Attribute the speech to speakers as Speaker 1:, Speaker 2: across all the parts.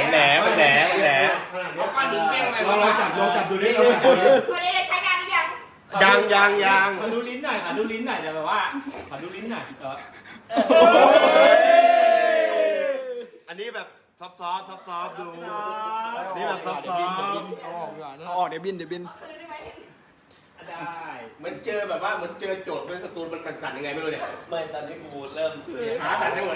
Speaker 1: แหน
Speaker 2: เอาก้อนหินเปี้ยงไป
Speaker 3: เราจับดูนี่เราจับดูนี่
Speaker 4: วันนี้ได้ใช้งานหรือยัง
Speaker 3: ยัง
Speaker 1: ขอดูลิ้นหน่อยแต่แบบว่าขอดูลิ้นหน่อย
Speaker 3: อันนี้แบบซอฟดูนี่แบบซอฟ
Speaker 5: เอาออกเดี๋ยวบิน
Speaker 4: คืนได้ไหม
Speaker 1: ได้
Speaker 2: เหมือนเจอแบบว่าเหมือนเจอโจทย์เป็นสตูนมันสั่นๆยังไงไม่รู้เนี่ย
Speaker 6: ไม่ตอนนี้กูเริ่ม
Speaker 2: ขาสั่นทั้งหมด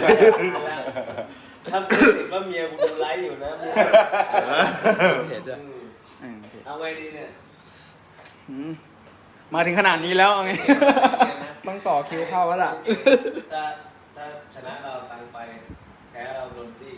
Speaker 6: ถ้าพูดถึงว่าเมียกูดูไลฟ์อยู่นะ
Speaker 5: เห็นด้วย
Speaker 6: เอาไงดีเนี่ย
Speaker 5: มาถึงขนาดนี้แล้วไงต้องต่อคิวเข้าแล้วล่ะ
Speaker 6: ถ้าชนะเราตังไปแพ้เราโดนซี่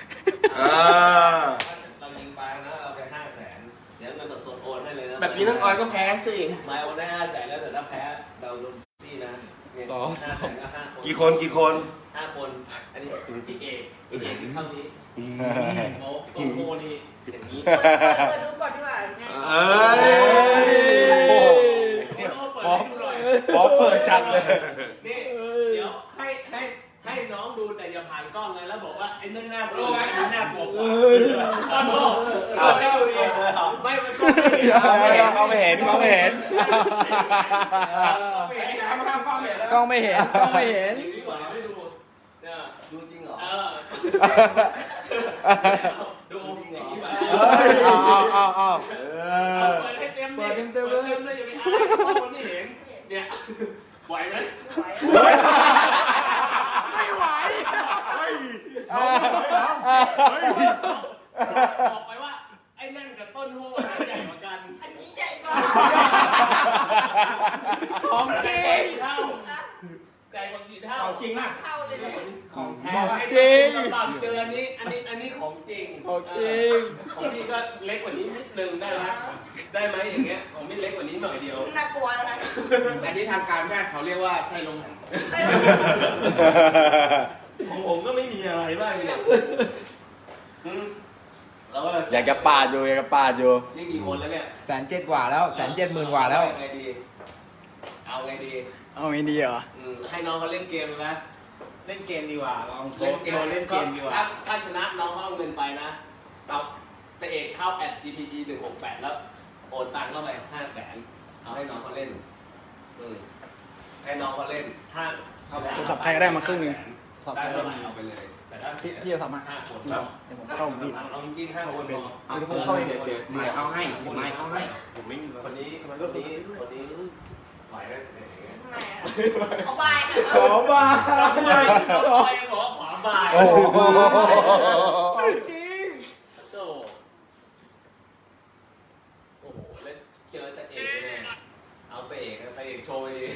Speaker 6: เรายิงไปนะเอาไป500,000เดี๋ยวเงินสดๆโอนให้เลยนะ
Speaker 2: แบบนี้น้องออยก็แพ้สิ
Speaker 6: ไม่โอนได้500,000แล้วแต่ถ้าแพ้เราโดนซี่นะ500,000ก็5 คน
Speaker 3: กี่คน
Speaker 6: 5 คนอันนี้พี่เอกเท่านี้โอ้โหนี่อย่างนี้
Speaker 4: เปิดดูก่อนดีกว่าไง
Speaker 1: พอเปิดจัดเลย
Speaker 6: นี่เดี๋ยวให้น้องดูแต่อย่าผ่านกล้องเลยแล้วบอกว่าไอ้นั่นหน้าโปรไอ้นี่หน้าบวกกว่าต้นโลเอาให้ดูดิไม่มันก็ไม่เห็น
Speaker 1: เขาไม่เห็น
Speaker 5: กล้องไม่เห็น
Speaker 6: อย่างนี้กว่าไม่ดูเนี่ยดูจริงเหรอดูอย่างนี้มา
Speaker 5: เอา
Speaker 6: เปิดให้เต็มเลยอย่าไปอ้างเพราะมันไม่เห็นเนี่ยไหวไหม
Speaker 5: ไม่ไหว
Speaker 6: บอกไปว่าไอ้นั่นกับต้นโหใหญ่กว่ากัน
Speaker 4: อันนี้ใหญ่กว่า
Speaker 5: ของจริง
Speaker 6: เท่าใหญ่กว่ากี่เท่า
Speaker 1: จริงอ่ะ
Speaker 4: เข้าเลยเนี่ย
Speaker 1: ของแท้
Speaker 5: จริง
Speaker 6: ตอนเจออันนี้ของจริง
Speaker 5: ของจริง
Speaker 6: ของพี่ก็เล็กกว่านี้นิดนึงได้ไหมได้ไหมอย่างเงี้ยของพี่เล็กกว่านี้หน่อยเดียว
Speaker 4: น่ากลัวนะคะ
Speaker 2: อันนี้ทางการแพทย์เขาเรียกว่าไส้ลม
Speaker 6: ของผมก็ไม่มีอะไรบ้างเนี่ยแล้วก็
Speaker 5: อยากจะปาดอยู่
Speaker 6: นี่กี่คนแล้วเนี่ย
Speaker 5: 170,000 กว่าแล้ว170,000 กว่าแล้ว
Speaker 6: ไงดีเอาไงดี
Speaker 5: เอาไม่ดีเหรอ
Speaker 6: ให้น้องเขาเล่นเกมนะ
Speaker 1: เล่นเกมดีกว่าลองโช
Speaker 6: เล่น
Speaker 1: ว์
Speaker 6: เกม
Speaker 1: เล่นเกมดีกว่า
Speaker 6: ถ้าชนะน้องเขาเอาเงินไปนะเราแต่เอกเข้า @gpe168 แล้วโอนตังค์เข้าไป500,000เอาให้น้องเขาเล่นให้น้องเขาเล่นถ้าเขา
Speaker 5: ผมขับใครก็ได้มาครึ่งหนึ่ง
Speaker 6: ได้เท่าไหร่เอาไปเลยแต่ถ้า
Speaker 5: พี่จะทำมา
Speaker 6: 5 คน
Speaker 5: เดี๋ยวผมเข้าผมพี่
Speaker 6: เอาจริงๆ5 คนพอ
Speaker 5: เอาเดี๋ยวผมเข้าเอง
Speaker 1: เดี๋ยวเอาให้ผมไม่มี
Speaker 6: คนนี้ไหวไหม
Speaker 4: ทำไมอ่ะขอบายค่ะ
Speaker 5: ขอบา
Speaker 6: ไปขอขวาบ่าย
Speaker 5: โอ้โห
Speaker 6: จริงโอ้โหแล้วเจอแต่เอกเลยเอาไปเอกโชว์ดิ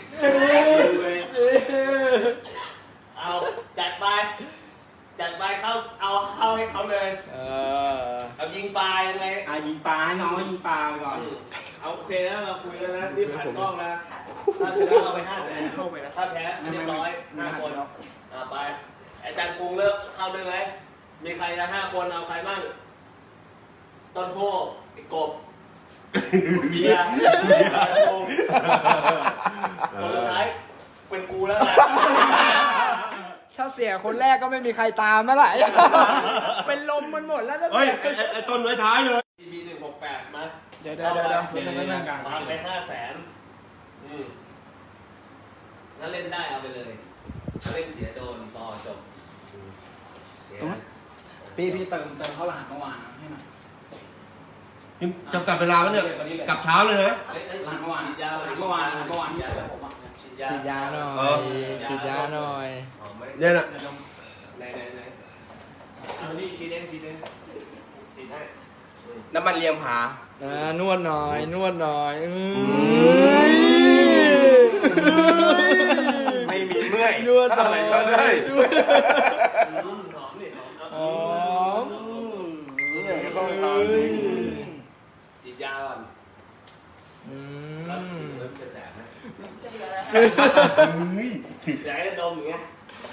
Speaker 6: เอาจัดเข้าเอาเข้าให้เขาเลยเอายิงปลายังไง
Speaker 1: ยิงปลาให้น้องยิงปลาไปก่อน
Speaker 6: เอาโอเคนะเราคุยกันนะรีบผ่านกล้องนะถ้าชนะเราไป500,000เข้าไปนะถ้าแพ้เรียบร้อย5 คนไปอาจารย์กรุงเลิกเข้าด้วยไหมมีใครจะ5 คนเอาใครบ้างต้นโพไอ้กบเบียร์คนสุดท้ายเป็นกูแล้วนะ
Speaker 5: ถ้าเสียคนแรกก็ไม่มีใครตามแล้วล่ะเป็นลมมันหมดแล้วนะ
Speaker 3: เฮ้ยไอ้ต้นไว้ท้ายเลย
Speaker 6: 168มา
Speaker 5: เดี๋ยว
Speaker 6: วางไป500,000ถ้าเล่นได้เอาไปเลยถ้าเล่นเสียโดนต่อจบ
Speaker 5: พี่เติมเข้ารหัสเมื่อวานให้หน่อย
Speaker 3: จำกัดเวลาแล้วเนี่ยกลับเช้าเลยนะ
Speaker 5: หลังเมื่อวานที่ผมฉีดยาหน่อย
Speaker 3: เนี่ยน่ะ
Speaker 6: ไหนเอานี่ฉีดเองฉีดให้
Speaker 2: น้ำมันเลียงผาน
Speaker 5: วดหน่อย
Speaker 1: ไม่มีเมื่อย
Speaker 5: นวดหน่อย
Speaker 6: หอมนี่หอมฉีดยาก่อนแล้วฉีดแล้วจะแสบไหมอยากให้ดมอย่างเงี้ย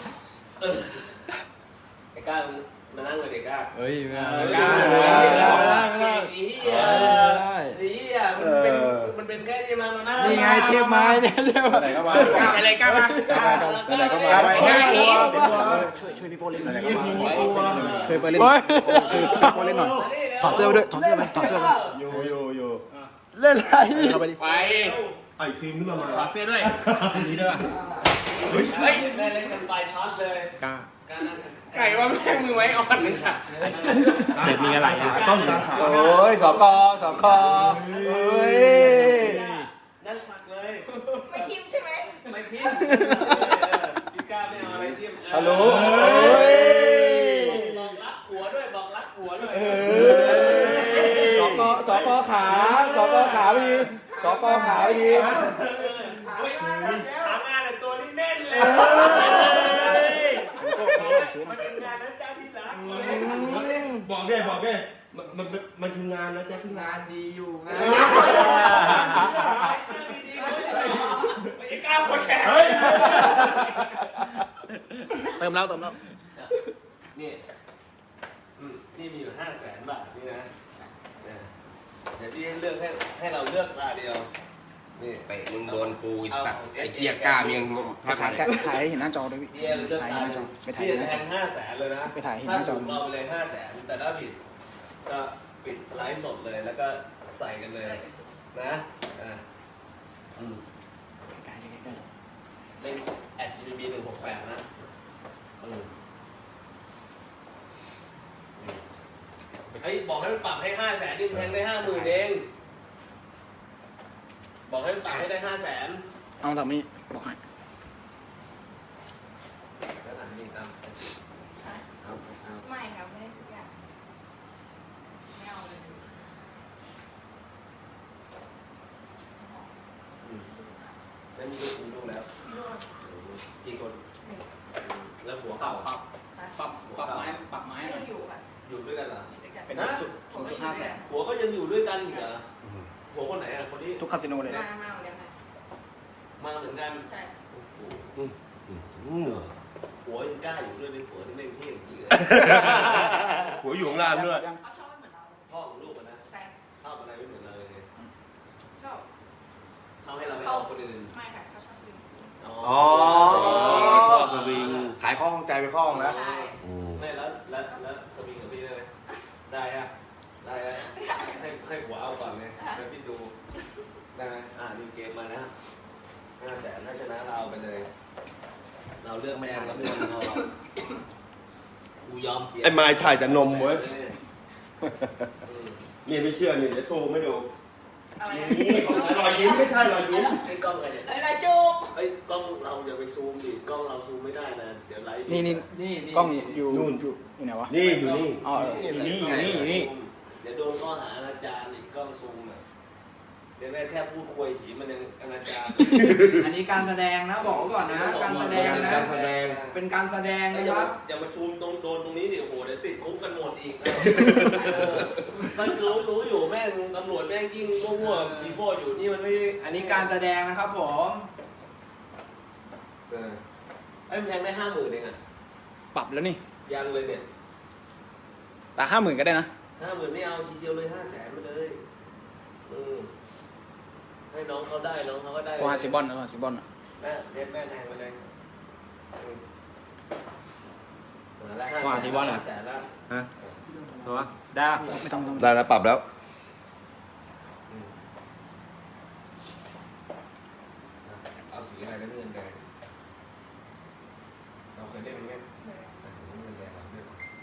Speaker 6: ไอ้ก้ามานั่งเลยเด็กก้า
Speaker 5: เฮ้ยไม่ได้
Speaker 6: ไม่ได้
Speaker 5: ไม่ได้
Speaker 6: มันเป็นแค่นี้มานะ
Speaker 5: นี่ไงเทพไม้เนี่ยเทพไม้
Speaker 1: ไหนก็มา
Speaker 2: ก้าวไปเลยก้าวมา
Speaker 3: ไหนก็มา
Speaker 5: ช่วยพี่โป้เล่นหน่อย
Speaker 3: ช่
Speaker 5: ช่
Speaker 3: ว
Speaker 5: วย ย
Speaker 3: ไป
Speaker 5: ไป
Speaker 3: เล่
Speaker 5: เล่
Speaker 3: น
Speaker 5: นช่วยพี่โป้เล่นหน่อยถอดเสื้อด้วยถอดเสื้อเลยถอดเสื้อเลย
Speaker 3: อยู่
Speaker 5: เล่นอะไรเข้าไปดิ
Speaker 2: ไป
Speaker 3: ไอ้ฟิล์มขึ้นมา
Speaker 2: ถอดเสื้อด้วย
Speaker 3: นี่ด้วย
Speaker 6: เฮ้ยแม่เล่นกันไฟช็อตเลย
Speaker 1: กล้า
Speaker 2: ไก่ว่าแม่งมือไว้อ่อนไอ้สัตว์
Speaker 1: เด็ดมีอะไรอ่ะ
Speaker 3: ต้นตาขา
Speaker 5: โอ้ยสกเฮ้ย
Speaker 6: นั่นหมักเลย
Speaker 4: ไม่ทิมใช่ไหม
Speaker 6: ไม่พิมพี่ก้าไม่เอาอะไรทิม
Speaker 5: ฮัลโหล
Speaker 6: บอกรักหัวด้วยบอกรักหัวด้วย
Speaker 5: สกขาพี่สกขาพี่
Speaker 6: เฮ้ยหางานแต่ตัวนี้แน่นเลยมันเป็นงานนะเจ้าที่รัก
Speaker 3: บอกได้มันคืองานนะแจ๊คที่งาน
Speaker 5: งานดีอยู่งาน
Speaker 6: ไม่กล้าหัวแข็ง
Speaker 5: เติมแล้ว
Speaker 6: นี่นี่มีอยู่500,000 บาทนี่นะเดี๋ยวพี่เลือกให้เราเลือกตาเดียวนี่
Speaker 2: เตะมึงโดนกูไอ้สัตว์ไอ้เกียร์ก้ามยัง
Speaker 5: ถ่ายให้เห็นหน้าจอด้วยพี่
Speaker 6: พี่เลือกตาพี่แทง500,000เลยนะ
Speaker 5: ไปถ่ายเห็นหน้าจอ
Speaker 6: ถ้าถูกเราไปเลย500,000แต่ถ้าผิดก็ปิดไลฟ์สดเลยแล้วก็ใส่กันเลยนะเล่น@GBB 168นะเฮ้ยบอกให้มันปรับให้500,000นี่มันแทงได้50,000เองบอกให้มันปรับให้ได้500,000
Speaker 5: เอาแบบนี้บอกให้
Speaker 6: แล้วอันนี้ตาม
Speaker 4: ไม่ครับไม่ได้สักอย่างไม่เอาเลย
Speaker 6: แล้วมีลูกแล้ว
Speaker 4: พี่โรจน์
Speaker 6: กี่คนแล้วหัวเก่า
Speaker 1: ปรับไม้
Speaker 4: ไม่อยู่อ่ะ
Speaker 6: อยู่ด้วยกันเหรอ
Speaker 4: ด้วยกัน
Speaker 1: เป็น
Speaker 6: นะ
Speaker 4: ผมก็อยู่ด้วยกัน
Speaker 6: หัวก็ยังอยู่ด้วยกันอีกเหรอหัวคนไหนอ่ะคนนี้
Speaker 5: ทุกคาสิโนเลย
Speaker 4: มาเหมือนกันนะ
Speaker 6: มาเหมือนกัน
Speaker 4: ใช่
Speaker 6: โอ้โหหัวยังกล้าอยู่ด้วยเป็นหัวที่แม่งเท่จริงเลย
Speaker 3: หัวอยู่ข้างล่างด้วย
Speaker 4: เขาชอบไม่เหมือนเรา
Speaker 6: พ่อของลูกอะนะ
Speaker 4: ใช่
Speaker 6: ชอบอะไรไม่เหมือนเราเลย
Speaker 4: ชอบ
Speaker 6: ชอบให้เราไม่เอาคนอื่น
Speaker 4: ไม่ค่ะเขาชอบซื้อ
Speaker 2: อ๋อ
Speaker 3: ชอบสวิง
Speaker 2: ขายข้อข้องใจไปข้อข้องแล้ว
Speaker 4: ใช่
Speaker 6: ไม่แล้วสวิงกับพี่ได้ไหมได้อะได้อะให้หัวเอาก่อนเลยแล้วพี่ดูได้ไหมนี่เกมมานะ500,000ถ้าชนะเราเอาไปเลย เราเลือกแดงเราไม่ยอมเรากูยอมเสีย
Speaker 3: ไอ้ไม้ถ่ายแต่นมเว้ยนี่ไม่เชื่อนี่เดี๋ยวโชว์ไม่ดู
Speaker 4: อะไร
Speaker 3: นี่รอยยิ้มไม่ใช่รอยยิ้ม
Speaker 6: ไอ้กล้องใครเนี่ย
Speaker 4: อะไรจูบ
Speaker 6: ไอ้กล้องเราอย่าไปซูมดิกล้องเราซูมไม่ได้นะเดี๋ยวไลฟ์
Speaker 5: นี่กล้องอยู่อยู่ไหนวะ
Speaker 3: นี่อยู่นี่
Speaker 5: อ๋อ
Speaker 1: นี่
Speaker 6: เดี๋ยวโดนข้อหาอนาจารอีกกล้องซูมอ่ะเดี๋ยวแม่แค่พูดคุยหีมันยังอนาจาร
Speaker 5: อันนี้การแสดงนะบอกก่อนนะการแสดงนะ
Speaker 3: การแสดง
Speaker 5: เป็นการแสดงนะครับ
Speaker 6: อย่ามาซูมตรงโดนตรงนี้ดิโอ้โหเดี๋ยวติดคุกกันหมดอีกมันรู้อยู่แม่งตำรวจแม่งยิ่งมั่วๆมีพ่ออยู่นี่มันไม่
Speaker 5: อันนี้การแสดงนะครับผม
Speaker 6: ไอ้มันแทงได้50,000เองอ่ะ
Speaker 5: ปรับแล้วนี่
Speaker 6: ยังเลยเนี่ย
Speaker 5: แต่50,000ก็ได้นะ
Speaker 6: 50,000ไม่เอาทีเดียวเลย500,000มาเลยให้น้องเขาได้น้องเขาก็ได้
Speaker 5: ว่าซิบอนนะซิบอน
Speaker 6: แม่เด็ดแม่แทงไปเลยแล้ว
Speaker 1: ว่าที่บอลเหรอ
Speaker 6: 500,000แล้ว
Speaker 1: ฮะตัวได้
Speaker 5: ไม่ต้อง
Speaker 3: ได้แล้วปรับแล้ว
Speaker 6: เอาสีอะไรแล้วเงินแดงเราเคยเล่นไหมเงินแดงเราเล่น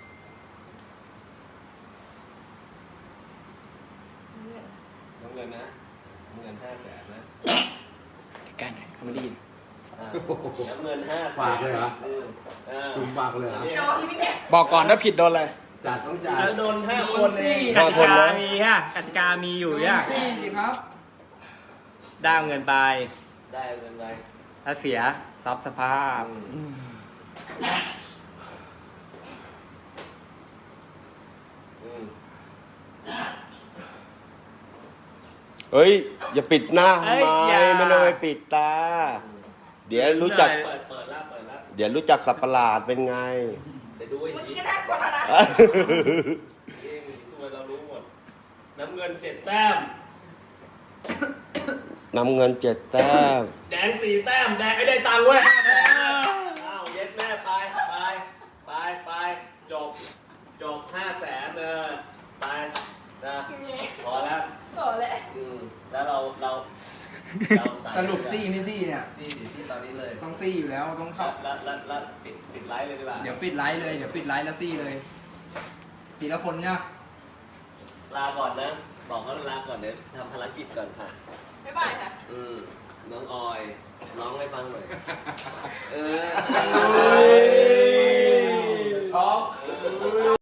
Speaker 6: น้ำเงินนะน้ำเงิน500,000นะ
Speaker 5: ใกล้หน่อยเขาไม่ได้ยิน
Speaker 6: น้ำเงิน500,000
Speaker 1: ฝากเลยเหรอ คุณฝากเลยเหรอ
Speaker 4: โดนนี่เนี่ย
Speaker 5: บอกก่อนถ้าผิดโดนอะไร
Speaker 1: จัดต้องจัด
Speaker 6: แล้วโดน5 คนเอง
Speaker 1: กติกามีฮะกติกามีอยู่ย่ะ
Speaker 5: สิครับ
Speaker 1: ได้เงินไป
Speaker 6: ได้เงินไป
Speaker 1: ถ้าเสียทรัพย์สภาพ
Speaker 3: เฮ้ย อย่าปิดหน้า
Speaker 1: เอ้
Speaker 3: ทำ
Speaker 1: ย
Speaker 3: ไม
Speaker 1: อย่า
Speaker 3: ไม่ต้องไปปิดตา เดี๋ยวรู้จัก
Speaker 6: เปิดแล้ว
Speaker 3: เดี๋ยวรู้จักสับประหลาดเป็นไง
Speaker 6: เดี๋ยวดูไอ้
Speaker 4: เมื่อ
Speaker 6: หี
Speaker 4: กี้ก็น่ากลัวแล้วนะ
Speaker 6: สวยเรารู้หมดน้ำเงิน7 แต้ม
Speaker 3: นำเงิน7 แต้ม
Speaker 6: แดง4 แต้มแดงไอ้ได้ตังค์เว้ย5 แสนอ้าวเย็ดแม่ไปจบ5 แสนไปนะพอแล้ว
Speaker 4: โอ้เลย
Speaker 6: แล้วเราใส่
Speaker 5: สรุปซี่ไม่ซี่เนี่ย
Speaker 6: ซี่ตอนนี้เลย
Speaker 5: ต้องซี่อยู่แล้วต้องเข้า
Speaker 6: แล้วปิดไลฟ์เลยดีกว่า
Speaker 5: เดี๋ยวปิดไลฟ์เลย เดี๋ยวปิดไลฟ์แล้วซี่เลยทีละคนเนี่ย
Speaker 6: ลาก่อนนะ บอกเขาลาก่อนเดี๋ยวทำภารกิจก่อนค่ะ
Speaker 4: บ๊ายบายค่ะ
Speaker 6: น้องออยร้องให้ฟังหน่อย
Speaker 2: ช็อก